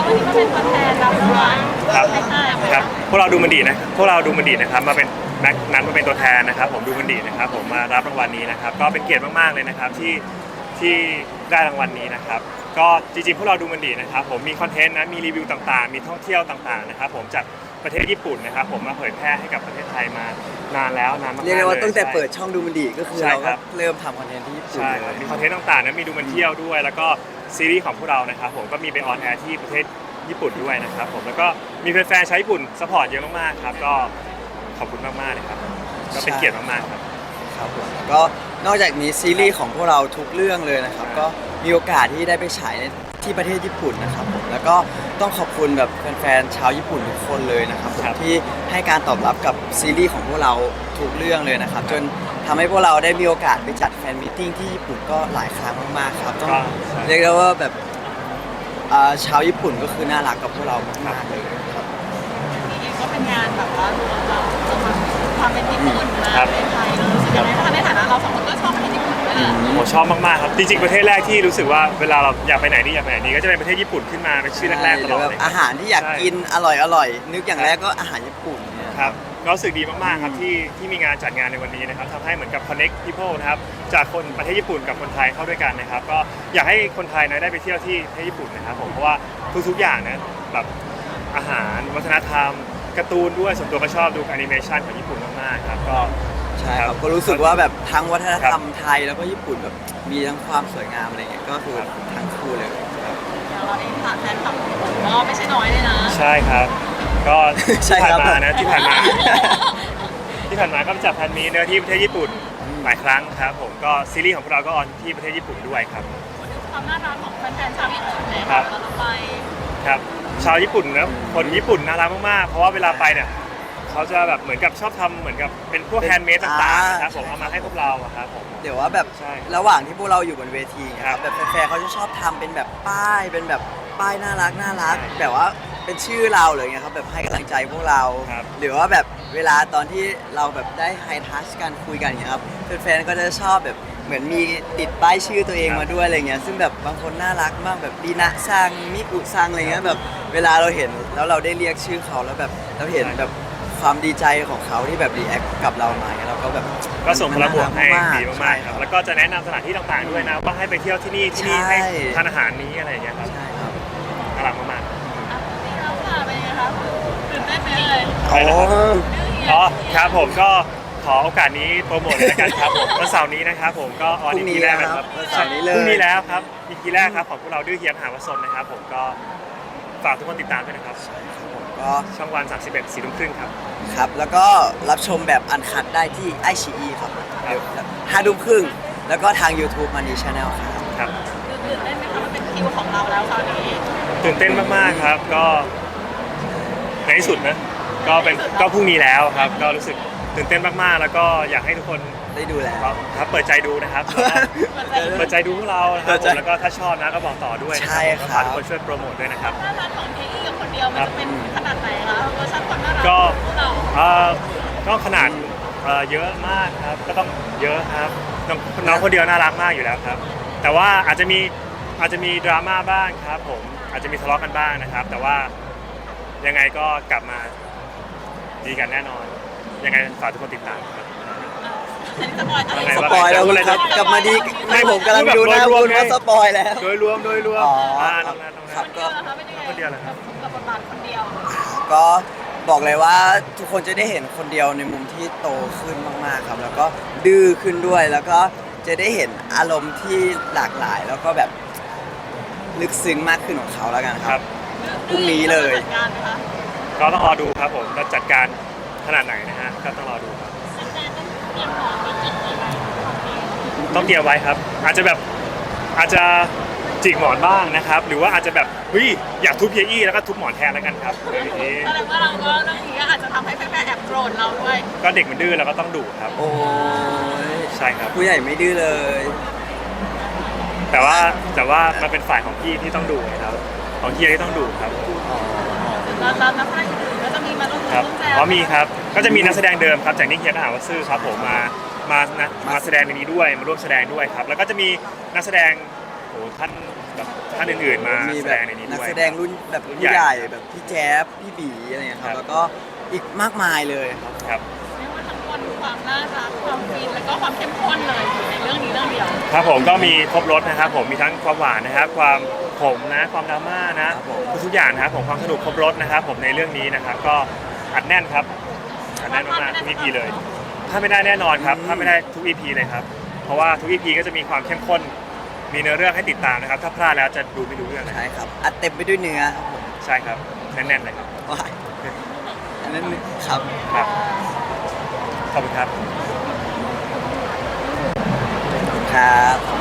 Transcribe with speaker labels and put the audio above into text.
Speaker 1: วันนี้มาเป็นตัวแทนรับรางวัล
Speaker 2: ครับ
Speaker 1: ให้ค่าย
Speaker 2: ครับพวกเราดูมันดีนะพวกเราดูมันดีนะครับมาเป็นนัดมาเป็นตัวแทนนะครับผมดูมันดีนะครับผมมารับรางวัลนี้นะครับก็เป็นเกียรติมากๆเลยนะครับที่ได้รางวัลนี้นะครับก็จริงๆพวกเราดูมันดีนะครับผมมีคอนเทนต์นะมีรีวิวต่างๆมีท่องเที่ยวต่างๆนะครับผมจากประเทศญี่ปุ่นนะครับผมมาเผยแพร่ให้กับประเทศไทยมานานแล้วนานมากๆเลย
Speaker 3: เรียกได้ว่าตั้งแต่เปิดช่องดูมันดีก็คือเรา
Speaker 2: ใช่ค
Speaker 3: ก็
Speaker 2: รับ
Speaker 3: เริ่มทำคอนเทนต์ที่ญี่ปุ่น
Speaker 2: ใช่
Speaker 3: เล
Speaker 2: ครับ
Speaker 3: ย
Speaker 2: มีคอนเทนต์ต่างๆนะมีดูมันเที่ยวด้วยแล้วก็ซีรีส์ของพวกเรานะครับผมก็มีไปออนแอร์ที่ประเทศญี่ปุ่นด้วยนะครับผมแล้วก็มีแฟนๆชาวญี่ปุ่นซัพพอร์ตเยอะมากๆครับก็ขอบคุณมากๆเลยครับก็เป็นเกียรติมากๆครับ
Speaker 3: ครับผมก็นอกจากนี้ซีรีส์ของพวกเราทุกเรื่องเลยนะครับก็มีโอกาสที่ได้ไปฉายในที่ประเทศญี่ปุ่นนะครับผมแล้วก็ต้องขอบคุณแบบแฟนๆชาวญี่ปุ่นทุกคนเลยนะครับผม
Speaker 2: ครับ
Speaker 3: ที่ให้การตอบรับกับซีรีส์ของพวกเราทุกเรื่องเลยนะครับจนทำให้พวกเราได้มีโอกาสไปจัดแฟนมิทติ้งที่ญี่ปุ่นก็หลายครั้งมากๆครับต้อง
Speaker 2: ก็ใช่
Speaker 3: เรียกได้ว่าแบบชาวญี่ปุ่นก็คือน่ารักกับพวกเรามากๆเลยครับ
Speaker 1: นี่เองก็เป็นงานแบบว่ารวมเราความเป็นญี่ปุ่นมาในไทยรู้สึกยังไงเพราะในฐานะเราสองคนก็ชอบประเทศญี่ปุ่นด้วยแหละ
Speaker 2: ผมชอบมากๆครับจริงๆประเทศแรกที่รู้สึกว่าเวลาเราอยากไปไหนนี่ก็จะเป็นประเทศญี่ปุ่นขึ้นมาเป็นชื่อแรกๆตลอด
Speaker 3: ห
Speaker 2: เล
Speaker 3: รื
Speaker 2: ย
Speaker 3: แบบอาหารที่อยากกินอร่อยนึกอย่างแรกก็อาหารญี่ปุ่นเนี่ย
Speaker 2: ครับก็รู้สึกดีมากๆครับที่มีงานจัดงานในวันนี้นะครับทำให้เหมือนกับ connect people นะครับจากคนประเทศญี่ปุ่นกับคนไทยเข้าด้วยกันนะครับก็อยากให้คนไทยนะได้ไปเที่ยวที่ประเทศญี่ปุ่นนะครับผมเพราะว่าทุกๆอย่างนะแบบอาหารวัฒนธรรมการ์ตูนด้วยส่วนตัวก็ชอบดูแอนิเมชันของญี่ปุ่นมากๆครับก็
Speaker 3: ใช่ครับก็รู้สึกว่าแบบทั้งวัฒนธรรมไทยแล้วก็ญี่ปุ่นแบบมีทั้งความสวยงามอะไรเงี้ยก็คือทั้งคู่เลยครับ
Speaker 1: อย่างเราเองผ่านแฟนคลับญี่ปุ่นก็ไม่ใช่น้อยเลยนะ
Speaker 2: ใช่ครับก็
Speaker 3: ใช่
Speaker 2: ที่
Speaker 3: ครั
Speaker 2: ผ่าน
Speaker 3: บ
Speaker 2: มานะที่ผ่านมา ที่ผ่านมาก็จัดแฟนมีตเนื้อที่ประเทศญี่ปุ่นหลายครั้งครับผมก็ซีรีส์ของพวกเราก็ออนที่ประเทศญี่ปุ่นด้วยครับ
Speaker 1: พูดถึงความน่ารักของแฟนๆชาวญี่ปุ่นเลย
Speaker 2: ครั
Speaker 1: ค่ะ
Speaker 2: บ
Speaker 1: เราไป
Speaker 2: ครับชาวญี่ปุ่นนะคนญี่ปุ่นน่ารักมากๆเพราะว่าเวลาไปเนี่ยเขาจะแบบเหมือนกับชอบทำเหมือนกับเป็นพวกแฮนด์เมดต่างๆนะครับผมเอามาให้พวกเราอะครับผม
Speaker 3: เดี๋ยวว่าแบบ
Speaker 2: ใช่
Speaker 3: ระหว่างที่พวกเราอยู่บนเวทีเนย
Speaker 2: ครับ
Speaker 3: แบบแฟนๆเขาจะชอบทำเป็นแบบป้ายเป็นแบบป้ายน่ารัก
Speaker 2: ใช่
Speaker 3: แบบว่าเป็นชื่อเราเลยไงครับแบบให้กำลังใจพวกเรา
Speaker 2: ครับ
Speaker 3: หรือว่าแบบเวลาตอนที่เราแบบได้ไฮทัชกันคุยกันอย่างเงี้ยครับแฟนๆก็จะชอบแบบเหมือนมีติดป้ายชื่อตัวเองมาด้วยอะไรเงี้ยซึ่งแบบบางคนน่ารักมากแบบดีนะซังมิกุซังอะไรเงี้ยแบบเวลาเราเห็นแล้วเราได้เรียกชื่อเขาแล้วแบบเราเห็นแบบความดีใจของเขาที่แบบรีแอคกับเรามาเนี่ยเราก็แบบ
Speaker 2: ก็ส่งพลังบวกให้ดี
Speaker 3: ใช่
Speaker 2: มากๆครับแล้วก็จะแนะนำสถานที่ต่างๆด้วยนะว่าให้ไปเที่ยวที่นี่ที่นี่
Speaker 3: ใช่
Speaker 2: ให้ทานอาหารนี้อะไรอย่างเงี้ยครับ
Speaker 3: ใช่ครับ
Speaker 2: น่ารักมาก
Speaker 1: นี่เราค่ะเป็นไงคะตื่นเต้นไหมเลย
Speaker 2: ๆอะไรนะครับอ๋อครับผมก็ขอโอกาสนี้โปรโมทเลยละกันครับผมวันเสาร์นี้นะครับผมก็ออน
Speaker 3: พรุ่งนี้
Speaker 2: EP แรกนะครับ
Speaker 3: แล้วครับวันเสาร์นี้เลย
Speaker 2: พรุ่งนี้แล้วครับ EP แรกครับของพวกเราดื้อเฮียมหาวสนนะครับผมก็ฝากทุกคนติดตามด้วยนะครับ
Speaker 3: ก็
Speaker 2: ช่องวัน31 4 ทุ่มครึ่งครับ
Speaker 3: ครับแล้วก็รับชมแบบอันคัดได้ที่ไอชีครับ
Speaker 2: ครับ
Speaker 3: 5 ทุ่มครึ่งแล้วก็ทาง YouTube Money Channel ครับ
Speaker 2: ครับ
Speaker 1: ตื่นเต้นไหมคะมันเป็นคิวของเราแล้วคราวนี้
Speaker 2: ตื่นเต้นมากๆครับก็ในที่สุดนะก็พรุ่งนี้แล้วครับก็รู้สึกตื่นเต้นมากๆ แล้วก็อยากให้ทุกคน
Speaker 3: ได้ดูแล้ว
Speaker 2: ครับเปิดใจดูนะครับแล้วก็เปิดใจดูพวกเรานะครับผมแล้วก็ถ้าชอบนะก็บอกต่อด้วยนะ
Speaker 3: ใช่
Speaker 2: ครับ
Speaker 3: ครับ
Speaker 2: ฝากทุกคนช่วยโปรโมทด้วยนะครับ
Speaker 1: น่ารักของเทอี้กับคนเดียวมันจะเป็นขนาดไหนคะเวอร์ชันความน่ารัก
Speaker 2: ก็
Speaker 1: ของพวกเรา
Speaker 2: ก็ขนาดเยอะมากครับก็ต้องเยอะครับน้องคนเดียวน่ารักมากอยู่แล้วครับ แต่ว่าอาจจะมีดราม่าบ้างครับผมอาจจะมีทะเลาะกันบ้างนะครับ แต่ว่ายังไงก็กลับมาดีกันแน่นอน ยังไงฝากทุกคนติดตามครับ
Speaker 1: อันนี้สปอยล์อะไร
Speaker 2: ยังไง
Speaker 3: สปอยแล้วคุณครับกลับมาดีไม่ผมกำลังดูหน้าคุณว่าสปอยแล้ว
Speaker 2: โดยรวม
Speaker 3: อ๋อ
Speaker 2: น้องนัท
Speaker 3: ครับ
Speaker 1: คนเดียวนะคะเป็นยังไง
Speaker 2: คนเดียวเหรอครับ
Speaker 1: กับบทบาทคนเดียว
Speaker 3: ก็บอกเลยว่าทุกคนจะได้เห็นคนเดียวในมุมที่โตขึ้นมากๆครับ แล้วก็ดื้อขึ้นด้วย แล้วก็จะได้เห็นอารมณ์ที่หลากหลาย แล้วก็แบบลึกซึ้งมากขึ้นของเขาแล้วกันค
Speaker 2: ครั
Speaker 3: รับ
Speaker 2: บ
Speaker 3: พรุ่งนี้เลย
Speaker 1: จัดการไหมคะ
Speaker 2: ก็ต้องรอดูครับผมจะจัดการขนาดไหนนะฮะก็ต้องรอดูครับต้องเตรียมไว้ครับ อาจจะจิกหมอนบ้างนะครับ หรือว่าอาจจะแบบเฮ้ยอยากทุบเยอี้แล้วก็ทุบหมอนแทนแล้วกันครับอย่างนี้
Speaker 1: แสดงว่าเราก็เรื่องนี้อาจจะทำให้แฟนๆแอบโกรธเราด้วย
Speaker 2: ก็เด็กมันดื้อเราก็ต้องดุครับ
Speaker 3: โอ้ย
Speaker 2: ใช่ครับ
Speaker 3: ผู้ใหญ่ไม่ดื้อเลย
Speaker 2: แต่ว่ามันเป็นฝ่ายของพี่ที่ต้องดุครับของเฮียที่ต้องดุครับ
Speaker 1: แล้วนักแสดงอื่นๆก็จะมีมาร่วม
Speaker 2: ครับ
Speaker 1: แจม
Speaker 2: อ๋อมีครับก็จะมีนักแสดงเดิมครับจากนิ่งเฮียก็หาว่าซื่อครับผมมาแสดงในนี้ด้วยมาร่วมแสดงด้วยครับแล้วก็จะมีนักแสดงอ้ท่านแบบท่านอื่นๆมา
Speaker 3: มี
Speaker 2: แส
Speaker 3: แบ
Speaker 2: ด
Speaker 3: บ
Speaker 2: งในนี้
Speaker 3: นัก
Speaker 2: ด้วย
Speaker 3: แสดงรุ่นแบบรุ่นใหญ่แบบพี่แจ๊บพี่บีอะไรเงี้ยครับแล้วก็อีกมากมายเลยครับ
Speaker 2: ครับ
Speaker 1: เรียกว่าทั้งมวลความน่ารักความฟินแล้วก็ความเข้มข้นเลยอยู่ในเรื่องนี้เรื่องเดียว
Speaker 2: ครับผมก็มีครบรถนะครับผมมีทั้งความหวานนะครับความขมนะความดราม่านะครับ
Speaker 3: ผม
Speaker 2: ทุกๆอย่างนะครับผมความสนุกครบรถนะครับผมในเรื่องนี้นะครับก็อัดแน่นครับอัดแน่นมากๆทุก EP เลยถ้าไม่ได้แน่นอนครับถ้าไม่ได้ทุก EP เลยครับเพราะว่าทุก EP ก็จะมีความเข้มข้นมีเนื้อเรื่องให้ติดตามนะครับถ้าพลาดแล้วจะดูไม่รู้เรื่องนะ
Speaker 3: ใช่ครับอัดเต็มไปด้วยเนื้อครับผม
Speaker 2: ใช่ครับแน่นๆเลยครับ
Speaker 3: ว้ายอันนั้นครับ
Speaker 2: ครับขอบคุณครับ
Speaker 3: ครับ